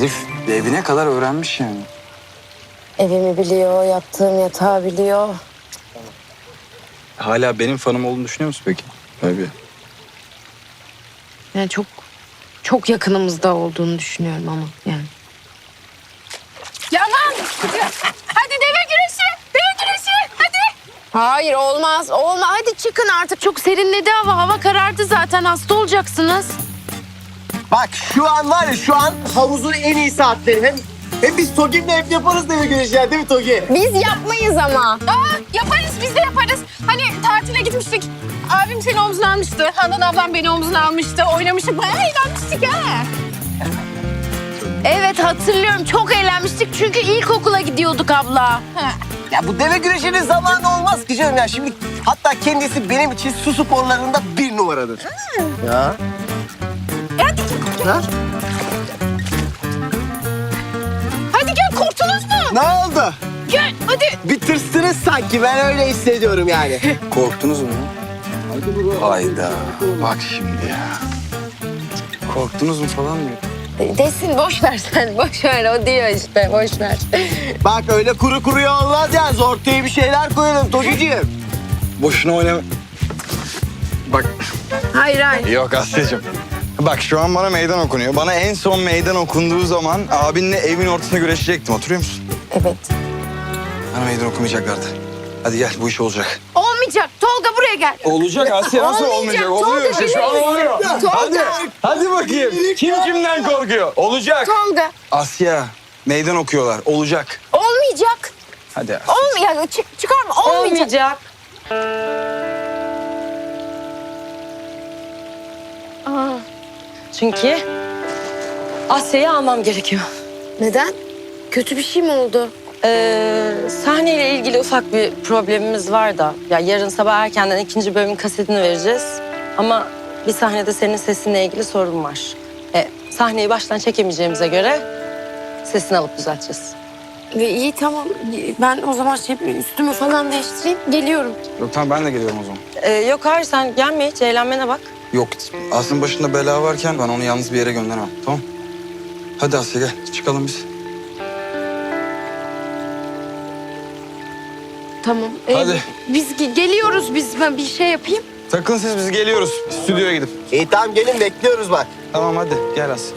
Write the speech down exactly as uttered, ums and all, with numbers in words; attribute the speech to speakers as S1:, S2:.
S1: Herif evine kadar öğrenmiş yani.
S2: Evimi biliyor, yattığım yatağı biliyor.
S1: Hala benim fanım olduğunu düşünüyor musun peki? Tabii.
S2: Yani çok çok yakınımızda olduğunu düşünüyorum ama yani.
S3: Yaman! Hadi deve güreşi! Deve güreşi! Hadi!
S2: Hayır olmaz, olmaz. Hadi çıkın artık. Çok serinledi hava. Hava karardı zaten. Hasta olacaksınız.
S4: Bak şu an var ya şu an havuzun en iyi saatleri. Hem hem biz Togi'mle hep yaparız deve güreşi ya değil mi Togi?
S2: Biz yapmayız ama.
S3: Aa, yaparız, biz de yaparız. Hani tatile gitmiştik. Abim seni omzuna almıştı. Handan ablam beni omzuna almıştı. Oynamıştık, bayağı eğlenmiştik ha.
S2: Evet hatırlıyorum. Çok eğlenmiştik çünkü ilkokula gidiyorduk abla.
S3: Ha.
S4: Ya bu deve güreşinin zamanı olmaz ki canım ya. Şimdi hatta kendisi benim için su sporlarında bir numaradır. Ya.
S3: E hadi gel.
S4: Ha?
S3: Hadi gel, korktunuz mu?
S4: Ne oldu?
S3: Gel, hadi.
S4: Bir tırstınız sanki. Ben öyle hissediyorum yani.
S1: Korktunuz mu? Hayda. Bak şimdi ya. Korktunuz mu falan diyor.
S2: Desin boş ver sen. Boş ver. O diyor işte. Boş ver.
S4: Bak öyle kuru kuruya olmaz ya. Ortaya bir şeyler koyalım Togi'ciğim.
S1: Boşuna oynama. Bak.
S2: Hayır hayır.
S1: Yok Asya'cığım. Bak şu an bana meydan okunuyor. Bana en son meydan okunduğu zaman abinle evin ortasında güreşecektim. Hatırlıyor musun?
S2: Evet.
S1: Bana meydan okumayacaklardı. Hadi gel bu iş olacak.
S2: Olmayacak. Tolga buraya gel.
S1: Olacak Asya nasıl
S2: Olmayacak,
S1: olmayacak? Oluyor
S2: Tolga,
S1: işte şu an oluyor.
S2: Tolga.
S1: Hadi, hadi bakayım. Kim kimden korkuyor? Olacak.
S2: Tolga.
S1: Asya meydan okuyorlar. Olacak.
S2: Olmayacak.
S1: Hadi Asya.
S2: Olmayacak. Çık, çıkarma. Olmayacak.
S5: Çünkü Asya'yı almam gerekiyor.
S2: Neden? Kötü bir şey mi oldu?
S5: Ee, sahneyle ilgili ufak bir problemimiz var da. Ya yarın sabah erkenden ikinci bölümün kasetini vereceğiz. Ama bir sahnede senin sesinle ilgili sorun var. E, sahneyi baştan çekemeyeceğimize göre sesini alıp düzelteceğiz.
S2: Ve iyi tamam. Ben o zaman şey üstümü falan değiştireyim. Geliyorum.
S1: Yok tamam ben de geliyorum o zaman.
S5: Ee, yok hayır sen gelme hiç eğlenmene bak.
S1: Yok Asya'nın başında bela varken ben onu yalnız bir yere gönderemem. Tamam. Hadi Asya gel çıkalım biz.
S2: Tamam. Ee,
S1: Hadi.
S2: Biz ge- geliyoruz biz. Ben bir şey yapayım.
S1: Takın siz biz geliyoruz. Stüdyoya gidip.
S4: İyi tamam gelin bekliyoruz bak.
S1: Tamam hadi gel Asya.